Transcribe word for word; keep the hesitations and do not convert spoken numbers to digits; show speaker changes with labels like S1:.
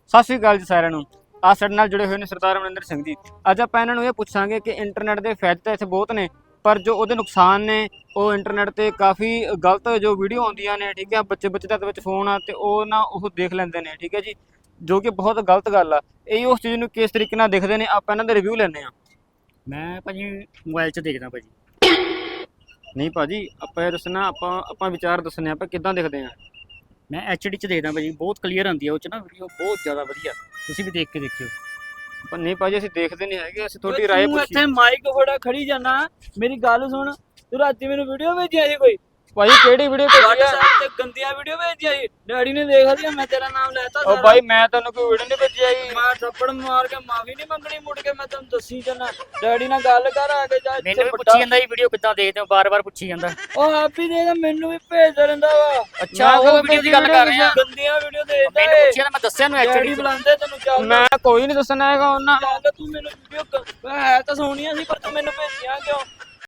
S1: ਸਤਿ ਸ਼੍ਰੀ ਅਕਾਲ ਜੀ ਸਾਰਿਆਂ ਨੂੰ। ਆ ਸਾਡੇ ਨਾਲ ਜੁੜੇ ਹੋਏ ਨੇ ਸਰਦਾਰ ਅਮਰਿੰਦਰ ਸਿੰਘ ਜੀ। ਅੱਜ ਆਪਾਂ ਇਹਨਾਂ ਨੂੰ ਇਹ ਪੁੱਛਾਂਗੇ ਕਿ ਇੰਟਰਨੈਟ ਦੇ ਫਾਇਦੇ ਤਾਂ ਇੱਥੇ ਬਹੁਤ ਨੇ, ਪਰ ਜੋ ਉਹਦੇ ਨੁਕਸਾਨ ਨੇ ਉਹ ਇੰਟਰਨੈਟ ਤੇ ਕਾਫੀ ਗਲਤ ਜੋ ਵੀਡੀਓ ਆਉਂਦੀਆਂ ਨੇ, ਠੀਕ ਹੈ, ਬੱਚੇ ਬੱਚੇ ਦੇ ਵਿੱਚ ਫੋਨ ਆ ਤੇ ਉਹ ਨਾ ਉਹ ਦੇਖ ਲੈਂਦੇ ਨੇ, ਠੀਕ ਹੈ ਜੀ, ਜੋ ਕਿ ਬਹੁਤ ਗਲਤ ਗੱਲ ਆ। ਇਹ ਉਸ ਚੀਜ਼ ਨੂੰ ਕਿਸ ਤਰੀਕੇ ਨਾਲ ਦੇਖਦੇ ਨੇ, ਆਪਾਂ ਇਹਨਾਂ ਦੇ ਰਿਵਿਊ ਲੈਂਦੇ ਆ।
S2: ਮੈਂ ਭਾਜੀ ਮੋਬਾਈਲ 'ਚ ਦੇਖਦਾ ਭਾਜੀ।
S1: ਨਹੀਂ ਭਾਜੀ, ਆਪਾਂ ਇਹ ਦੱਸਣਾ, ਆਪਾਂ ਆਪਾਂ ਵਿਚਾਰ ਦੱਸਣੇ, ਆਪਾਂ ਕਿੱਦਾਂ ਦੇਖਦੇ ਆ।
S2: ਮੈਂ ਐਚ ਡੀ 'ਚ ਦੇਖਦਾ ਭਾਜੀ, ਬਹੁਤ ਕਲੀਅਰ ਆਉਂਦੀ ਹੈ ਉਹ 'ਚ ਨਾ ਵੀਡੀਓ, ਬਹੁਤ ਜ਼ਿਆਦਾ ਵਧੀਆ। ਤੁਸੀਂ ਵੀ ਦੇਖ ਕੇ ਦੇਖਿਓ।
S1: ਪਰ ਨਹੀਂ ਭਾਜੀ, ਅਸੀਂ ਦੇਖਦੇ ਨਹੀਂ ਹੈਗੇ, ਅਸੀਂ ਤੁਹਾਡੀ ਰਾਏ
S3: ਤੂੰ
S1: ਪੁੱਛੀ।
S3: ਇੱਥੇ ਮਾਈਕ ਫੜਾ ਖੜੀ ਜਾਣਾ, ਮੇਰੀ ਗੱਲ ਸੁਣ। ਤੂੰ ਰਾਤੀ ਮੈਨੂੰ ਵੀਡੀਓ ਭੇਜਿਆ ਸੀ ਕੋਈ
S1: ਭਾਜੀ ਕਿਹੜੀ ਵੀਡੀਓ ਭੇਜੀ ਆ?
S3: WhatsApp ਤੇ ਗੰਦੀਆਂ ਵੀਡੀਓ ਭੇਜਿਆ ਸੀ, ਡੈਡੀ ਨੇ ਦੇਖ ਲਿਆ, ਮੈਂ ਤੇਰਾ ਨਾਮ ਲੈਤਾ
S1: ਉਹ ਭਾਈ ਮੈਂ ਤੈਨੂੰ ਕੋਈ ਵੀਡੀਓ ਨਹੀਂ ਭੇਜੀ ਆਈ।
S3: ਮੈਂ ਥੱਪੜ ਮਾਰ ਕੇ ਮਾਫੀ ਨਹੀਂ ਮੰਗਣੀ, ਮੁੜ ਕੇ ਮੈਂ ਤੈਨੂੰ ਦੱਸੀ ਜਾਣਾ। ਡੈਡੀ ਨਾਲ ਗੱਲ ਕਰ ਆ ਕੇ ਜਾ।
S2: ਮੈਨੂੰ ਵੀ ਪੁੱਛੀ ਜਾਂਦਾ ਇਹ ਵੀਡੀਓ ਕਿੱਦਾਂ ਦੇਖਦੇ ਹੋ, ਬਾਰ-ਬਾਰ ਪੁੱਛੀ ਜਾਂਦਾ।
S3: ਉਹ ਆਪ ਹੀ ਦੇਖਦਾ, ਮੈਨੂੰ ਵੀ ਭੇਜਦਾ ਰਹਿੰਦਾ ਵਾ।
S2: ਅੱਛਾ, ਉਹ ਵੀਡੀਓ ਦੀ ਗੱਲ ਕਰ ਰਹੇ ਆ।
S3: ਗੰਦੀਆਂ ਵੀਡੀਓ ਦੇਖਦਾ
S2: ਮੈਨੂੰ
S3: ਏ।
S2: ਪੁੱਛਿਆ ਤਾਂ ਮੈਂ ਦੱਸਿਆ ਨੂੰ ਐਚ
S3: ਡੈਡੀ
S2: ਡੀ
S3: ਬੁਲਾਉਂਦੇ ਤੈਨੂੰ, ਚੱਲ
S1: ਮੈਂ ਕੋਈ ਨਹੀਂ ਦੱਸਣਾ ਹੈਗਾ ਉਹਨਾਂ।
S3: ਚੱਲ ਤੂੰ ਮੈਨੂੰ ਵੀਡੀਓ ਹੈ ਤਾਂ ਸੋਹਣੀਆਂ ਸੀ, ਪਰ ਤੂੰ ਮੈਨੂੰ ਭੇਜਿਆ ਕਿਉਂ?